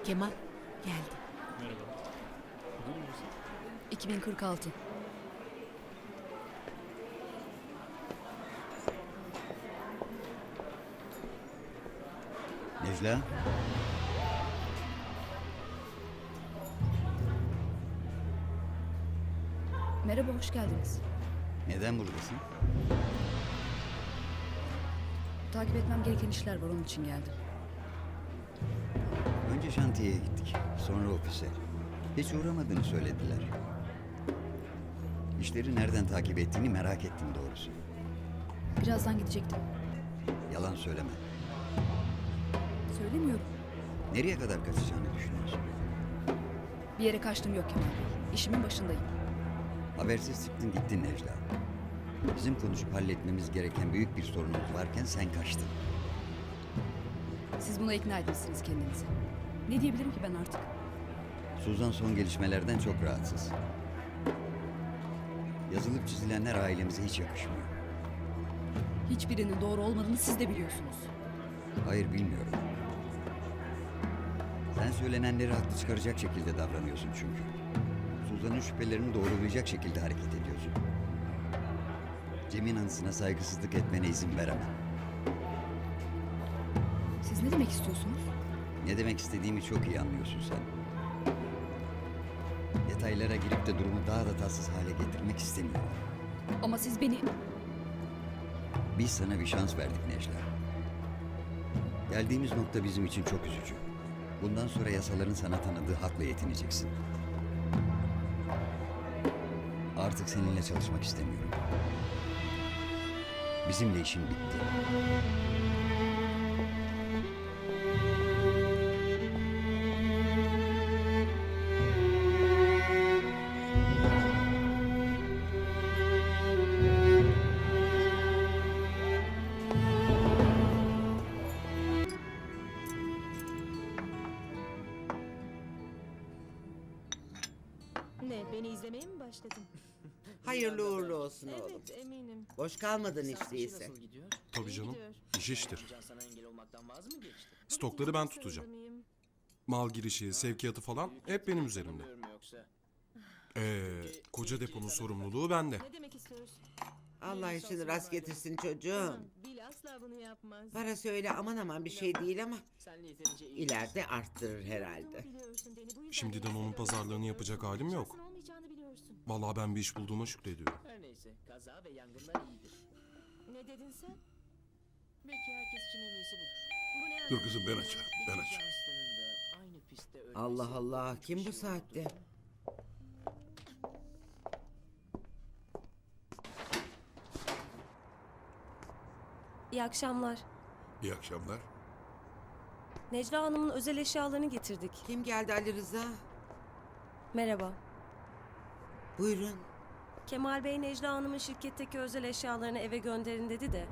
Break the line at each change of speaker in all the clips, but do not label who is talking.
Kemal geldi.
Merhaba. Bugün müsün?
2046.
Necla,
Merhaba, hoş geldiniz.
neden buradasın?
Takip etmem gereken işler var, onun için geldim.
Önce şantiyeye gittik, sonra ofise. Hiç uğramadığını söylediler. İşleri nereden takip ettiğini merak ettim doğrusu.
Birazdan gidecektim.
Yalan söyleme.
Söylemiyorum.
Nereye kadar kaçacağını düşünüyorsun?
Bir yere kaçtım yok Kemal Bey. İşimin başındayım.
Habersiz çıktın gittin Necla. Bizim konuşup halletmemiz gereken büyük bir sorunumuz varken sen kaçtın.
Siz buna ikna etmişsiniz kendinizi. Ne diyebilirim ki ben artık?
Suzan son gelişmelerden çok rahatsız. Yazılıp çizilenler ailemize hiç yakışmıyor.
Hiçbirinin doğru olmadığını siz de biliyorsunuz.
Hayır bilmiyorum. Sen söylenenleri haklı çıkaracak şekilde davranıyorsun çünkü. Suzan'ın şüphelerini doğrulayacak şekilde hareket ediyorsun. Cem'in anısına saygısızlık etmene izin veremem.
Siz ne demek istiyorsunuz?
Ne demek istediğimi çok iyi anlıyorsun sen. Detaylara girip de durumu daha da tatsız hale getirmek istemiyorum.
Ama siz beni...
Biz sana bir şans verdik Necla. Geldiğimiz nokta bizim için çok üzücü. Bundan sonra yasaların sana tanıdığı hakla yetineceksin. Artık seninle çalışmak istemiyorum. Bizimle işin bitti.
Ne, beni izlemeye mi başladın?
Hayırlı uğurlu olsun oğlum.
Evet, eminim.
Boş kalmadın hiç değilse.
Nasıl gidiyor?
Tabii
İyi
canım.
gidiyor.
İş iştir.
Can sana engel olmaktan vaz mı geçti?
Stokları ben
Çok
tutacağım.
sırada mıyım?
Mal girişi, sevkiyatı falan hep benim üzerimde.
Tanımıyorum yoksa.
Koca deponun sorumluluğu bende.
Ne demek istiyorsun?
Allah işini rast getirsin çocuğum.
Aman, Bil asla bunu yapmaz.
Parası öyle aman aman bir şey değil ama
Senle yeterince iyi.
ileride arttırır herhalde.
Biliyorsun beni, bu yüzden
Şimdiden
beni
onun
seviyorum.
pazarlığını yapacak halim yok.
Şansın olmayacağını biliyorsun.
Vallahi ben bir iş bulduğuma şükrediyorum.
Her neyse kaza ve yangınlar iyidir.
Ne dedin sen?
Belki herkes için en iyisi budur.
Bu ne
Dur kızım ben
anlamı?
açarım. Ben
İki
açarım.
Johnston'ın da aynı pistte ölmesi
Allah Allah
kötü
kim
bir
bu
şey
saatte?
olurdu.
İyi akşamlar.
İyi akşamlar.
Necla Hanım'ın özel eşyalarını getirdik.
Kim geldi Ali Rıza?
Merhaba.
Buyurun.
Kemal Bey Necla Hanım'ın şirketteki özel eşyalarını eve gönderin dedi de.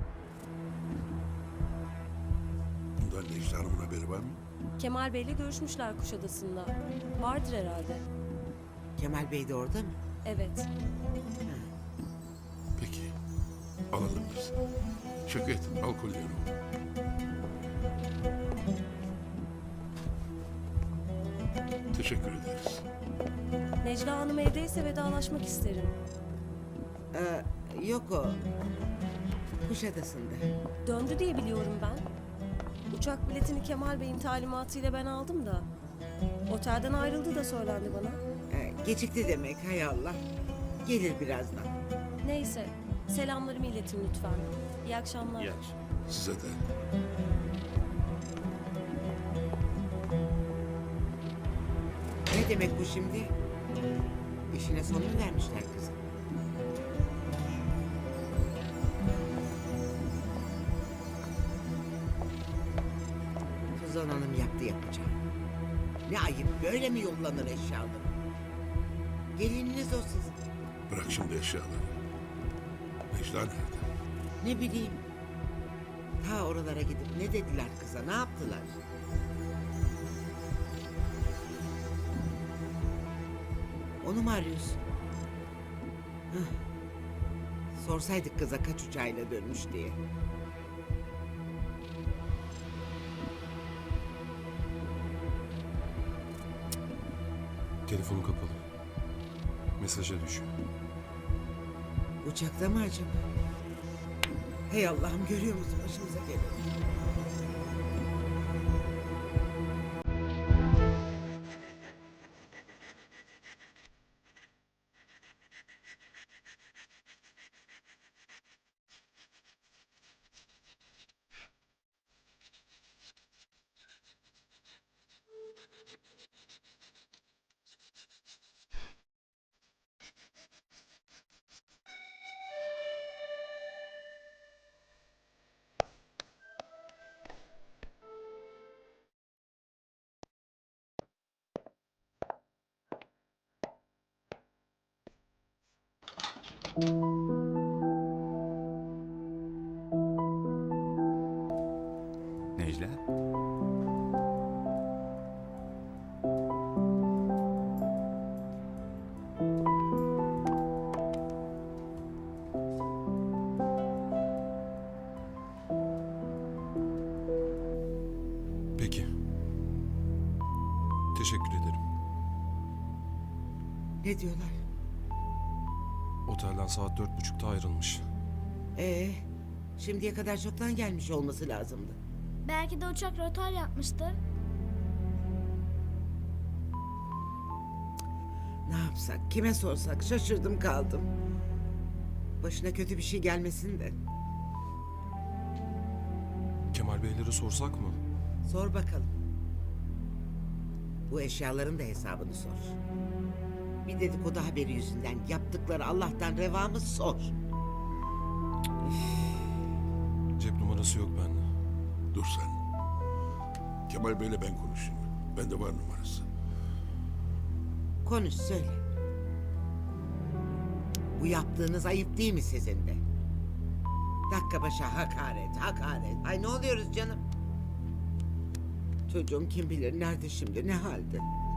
Bundan Necla Hanım'ın haberi var mı?
Kemal Bey'le görüşmüşler Kuşadası'nda. Vardır herhalde.
Kemal Bey de orada mı?
Evet.
Peki. Alalım biz. Şevket al kolyeyi. Teşekkür ederiz.
Necla Hanım evdeyse vedalaşmak isterim.
Yok o. Kuşadası'nda.
Döndü diye biliyorum ben. Uçak biletini Kemal Bey'in talimatıyla ben aldım da. Otelden ayrıldı da söylendi bana.
Gecikti demek hay Allah. Gelir birazdan.
Neyse. Selamlarımı iletin lütfen. İyi akşamlar.
İyi akşamlar.
Size de.
Ne demek bu şimdi? İşine son mu vermişler kızım? Suzan Hanım yaptı yapacak. Ne ayıp böyle mi yollanır eşyaları? Gelininiz o sizin.
Bırak şimdi eşyaları. Necla nerede?
Ne bileyim. Ta oralara gidip ne dediler kıza ne yaptılar? Onu mu arıyorsun? Hah. Sorsaydık kıza kaç uçağıyla dönmüş diye.
Telefonu kapalı. Mesaja düşüyor.
Uçakta mı acaba? Hey Allah'ım, görüyor musun başımıza gelen?
Necla?
Peki. Teşekkür ederim.
Ne diyorlar?
Otelden saat 4.30'da ayrılmış.
Şimdiye kadar çoktan gelmiş olması lazımdı.
Belki de uçak rotar yapmıştır.
Ne yapsak, kime sorsak, şaşırdım kaldım. Başına kötü bir şey gelmesin de.
Kemal Beylere sorsak mı?
Sor bakalım. Bu eşyaların da hesabını sor. Bir dedikodu haberi yüzünden yaptıkları Allah'tan reva mı sor.
Cep numarası yok bende.
Dur sen. Kemal Bey'le ben konuşayım. Bende var numarası.
Konuş, söyle. Bu yaptığınız ayıp değil mi sizin de? Dakika başa hakaret, hakaret. Ay ne oluyoruz canım? Çocuğum kim bilir nerede şimdi, ne halde?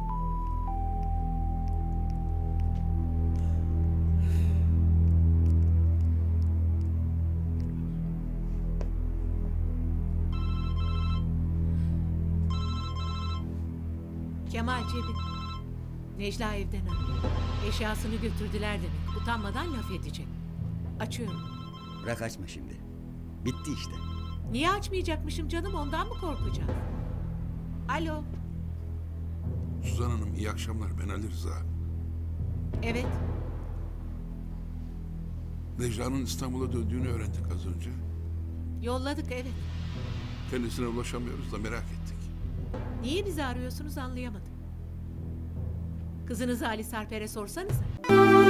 Kemal cebin. Necla evden arıyor. Eşyasını götürdüler demek. Utanmadan laf edecek. Açıyorum.
Bırak açma şimdi. Bitti işte.
Niye açmayacakmışım canım, ondan mı korkacağım? Alo.
Suzan Hanım iyi akşamlar. Ben Ali Rıza.
Evet.
Necla'nın İstanbul'a döndüğünü öğrendik az önce.
Yolladık evet.
Kendisine ulaşamıyoruz da merak ettik.
Niye bizi arıyorsunuz anlayamadım. Kızınızı Ali Sarper'e sorsanıza.